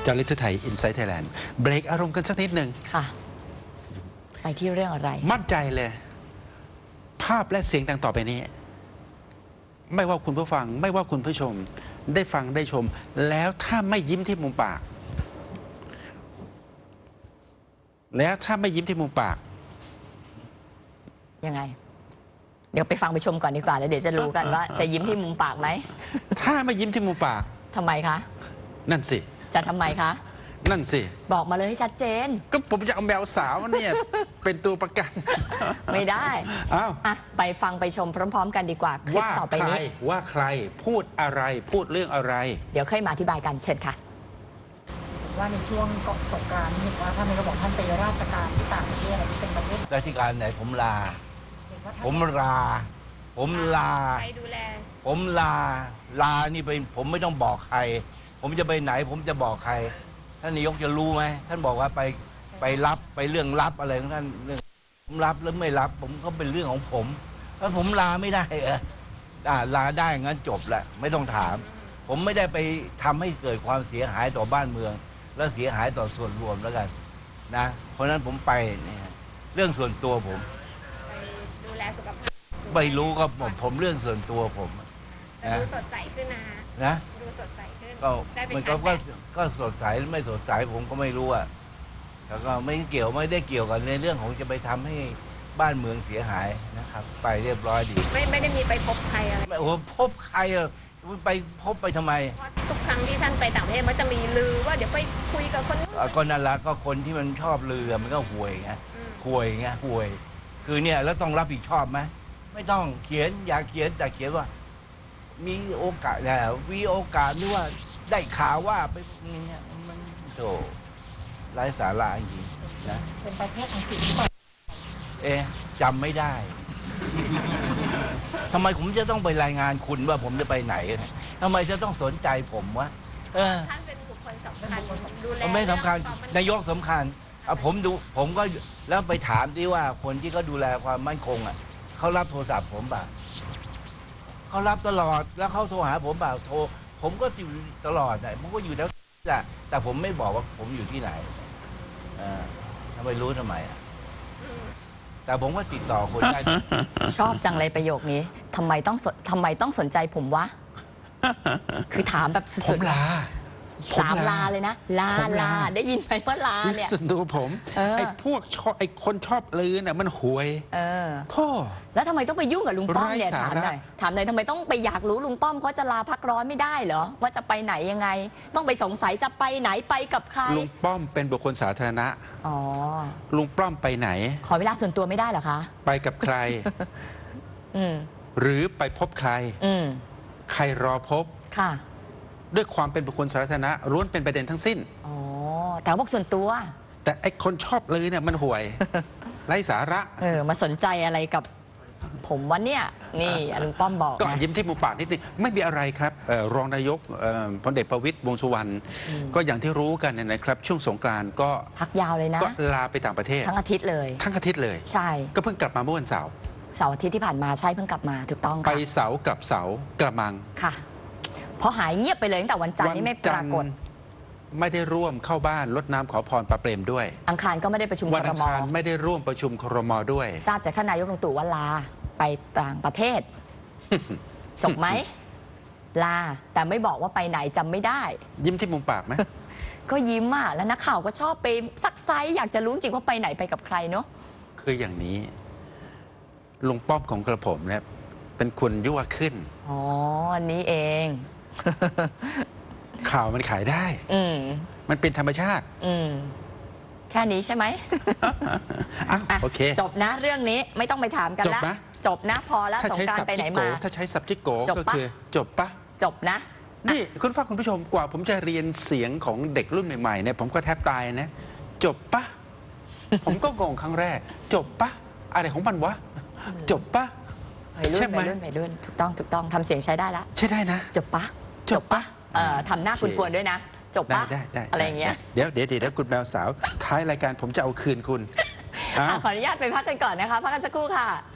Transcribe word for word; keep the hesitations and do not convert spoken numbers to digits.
จอร์ลิทไทยอินไซต์ไทยแลนด์เบรกอารมณ์กันสักนิดหนึ่งค่ะไปที่เรื่องอะไรมั่นใจเลยภาพและเสียงดังต่อไปนี้ไม่ว่าคุณผู้ฟังไม่ว่าคุณผู้ชมได้ฟังได้ชมแล้วถ้าไม่ยิ้มที่มุมปากแล้วถ้าไม่ยิ้มที่มุมปากยังไงเดี๋ยวไปฟังไปชมก่อนดีกว่าแล้วเดี๋ยวจะรู้กันว่าจะยิ้มที่มุมปากไหมถ้าไม่ยิ้มที่มุมปากทำไมคะนั่นสิจะทำไมคะนั่นสิบอกมาเลยให้ชัดเจนก็ผมจะเอาแมวสาวเนี่ยเป็นตัวประกันไม่ได้อ้าวอ่ะไปฟังไปชมพร้อมๆกันดีกว่าคลิปต่อไปนี้ว่าใครพูดอะไรพูดเรื่องอะไรเดี๋ยวค่อยมาอธิบายกันเชิญค่ะว่าในช่วงก่อนสงกรานต์เห็นว่าท่านนายกบอกท่านไปราชการที่ต่างประเทศอะไรที่เป็นประเทศราชการไหนผมลาผมลาผมลาไปดูแลผมลาลานี่ไปผมไม่ต้องบอกใครผมจะไปไหนผมจะบอกใครท่านนายกจะรู้ไหมท่านบอกว่าไปไปรับไปเรื่องรับอะไรของท่านเรื่องผมรับหรือไม่รับผมก็เป็นเรื่องของผมถ้าผมลาไม่ได้เออลาได้งั้นจบแหละไม่ต้องถามผมไม่ได้ไปทำให้เกิดความเสียหายต่อบ้านเมืองและเสียหายต่อส่วนรวมแล้วกันนะเพราะนั้นผมไปเนี่ยเรื่องส่วนตัวผมไปดูแลสุขภาพไม่รู้ก็ผมผมเรื่องส่วนตัวผมดูสดใสขึ้นนะนะดูสดใสขึ้นก็มันก็ก็สดใสหรือไม่สดใสผมก็ไม่รู้อ่ะแล้วก็ไม่เกี่ยวไม่ได้เกี่ยวกันในเรื่องของจะไปทำให้บ้านเมืองเสียหายนะครับไปเรียบร้อยดีไม่ไม่ได้มีไปพบใครอะไรโอ้พบใครอ่ะไปพบไปทำไมทุกครั้งที่ท่านไปต่างประเทศมันจะมีลือว่าเดี๋ยวไปคุยกับคนก็นั่นละก็คนที่มันชอบลือมันก็ห่วยไงห่วยไงห่วยคือเนี่ยแล้วต้องรับผิดชอบไหมไม่ต้องเขียนอยากเขียนแต่เขียนว่ามีโอกาสแล้วมีโอกาสนี่ว่าได้ข่าวว่าไปอย่างเงี้ยมันโธ่ไร้สาระจริงนะเป็นประเทศอังกฤษเอ๊ะจำไม่ได้ทำไมผมจะต้องไปรายงานคุณว่าผมจะไปไหนทำไมจะต้องสนใจผมวะท่านเป็นบุคคลสำคัญดูแลไม่สำคัญนายกสำคัญเอาผมดูผมก็แล้วไปถามที่ว่าคนที่เขาดูแลความมั่นคงอ่ะเขารับโทรศัพท์ผมป่ะเขารับตลอดแล้วเขาโทรหาผมป่ะโทรผมก็อยู่ตลอดแต่ผมก็อยู่แล้วแหละแต่ผมไม่บอกว่าผมอยู่ที่ไหนอ่าทำไมรู้ทำไมอ่ะแต่ผมก็ติดต่อคนได้ชอบจังเลยประโยคนี้ทำไมต้องทำไมต้องสนใจผมวะคือถามแบบสุดๆลาสามลาเลยนะลาลาได้ยินไหมว่าลาเนี่ยส่วนตัวผมไอ้พวกชอบไอ้คนชอบลือน่ะมันห่วยเออท่อแล้วทำไมต้องไปยุ่งกับลุงป้อมเนี่ยถามหน่อยถามหน่อยทำไมต้องไปอยากรู้ลุงป้อมเขาจะลาพักร้อนไม่ได้เหรอว่าจะไปไหนยังไงต้องไปสงสัยจะไปไหนไปกับใครลุงป้อมเป็นบุคคลสาธารณะอ๋อลุงป้อมไปไหนขอเวลาส่วนตัวไม่ได้เหรอคะไปกับใครอืมหรือไปพบใครอืมใครรอพบค่ะด้วยความเป็นบุคคลสาธารณะล้วนเป็นประเด็นทั้งสิ้นอ๋อแต่บอกส่วนตัวแต่ไอ้คนชอบลือเนี่ยมันห่วยไร้สาระเออมาสนใจอะไรกับผมวันเนี้ยนี่ลุงป้อมบอกก็ยิ้มที่มุมปากนิดนึงไม่มีอะไรครับรองนายกพลเอกประวิตรวงษ์สุวรรณก็อย่างที่รู้กันนะครับช่วงสงกรานต์ก็พักยาวเลยนะก็ลาไปต่างประเทศทั้งอาทิตย์เลยทั้งอาทิตย์เลยใช่ก็เพิ่งกลับมาเมื่อวันเสาร์เสาร์อาทิตย์ที่ผ่านมาใช่เพิ่งกลับมาถูกต้องค่ะไปเสาร์กลับเสาร์กระมังค่ะพอหายเงียบไปเลยตั้งแต่วันจันทร์นี่ไม่ปรากฏไม่ได้ร่วมเข้าบ้านรดน้ำขอพรปาเปรมด้วยอังคารก็ไม่ได้ประชุมครมวันอังคารไม่ได้ร่วมประชุมครมด้วยทราบจากท่านนายกลุงตู่ว่าลาไปต่างประเทศจบไหมลาแต่ไม่บอกว่าไปไหนจำไม่ได้ยิ้มที่มุมปากไหมก็ยิ้มอ่ะแล้วนักข่าวก็ชอบไปซักไซอยากจะรู้จริงว่าไปไหนไปกับใครเนาะคืออย่างนี้ลุงป้อมของกระผมเนี่ยเป็นคนยั่วขึ้นอ๋ออันนี้เองข่าวมันขายได้อืมมันเป็นธรรมชาติอืมแค่นี้ใช่ไหมอ่ะโอเคจบนะเรื่องนี้ไม่ต้องไปถามกันแล้วจบนะพอแล้วสงการไปไหนมาถ้าใช้ subject go ก็คือจบปะจบนะนี่คุณฟังคุณผู้ชมกว่าผมจะเรียนเสียงของเด็กรุ่นใหม่ๆเนี่ยผมก็แทบตายนะจบปะผมก็งงครั้งแรกจบปะอะไรของมันวะจบปะใช่ไหมไปรุ่นไปรุ่นถูกต้องถูกต้องทำเสียงใช้ได้ละใช่ได้นะจบปะจบปะเอ่อทำหน้าคุณกวนด้วยนะจบปะอะไรอย่างเงี้ยเดี๋ยวเดี๋ยวเดี๋ยวคุณแมวสาวท้ายรายการผมจะเอาคืนคุณขออนุญาตไปพักกันก่อนนะคะพักกันสักครู่ค่ะ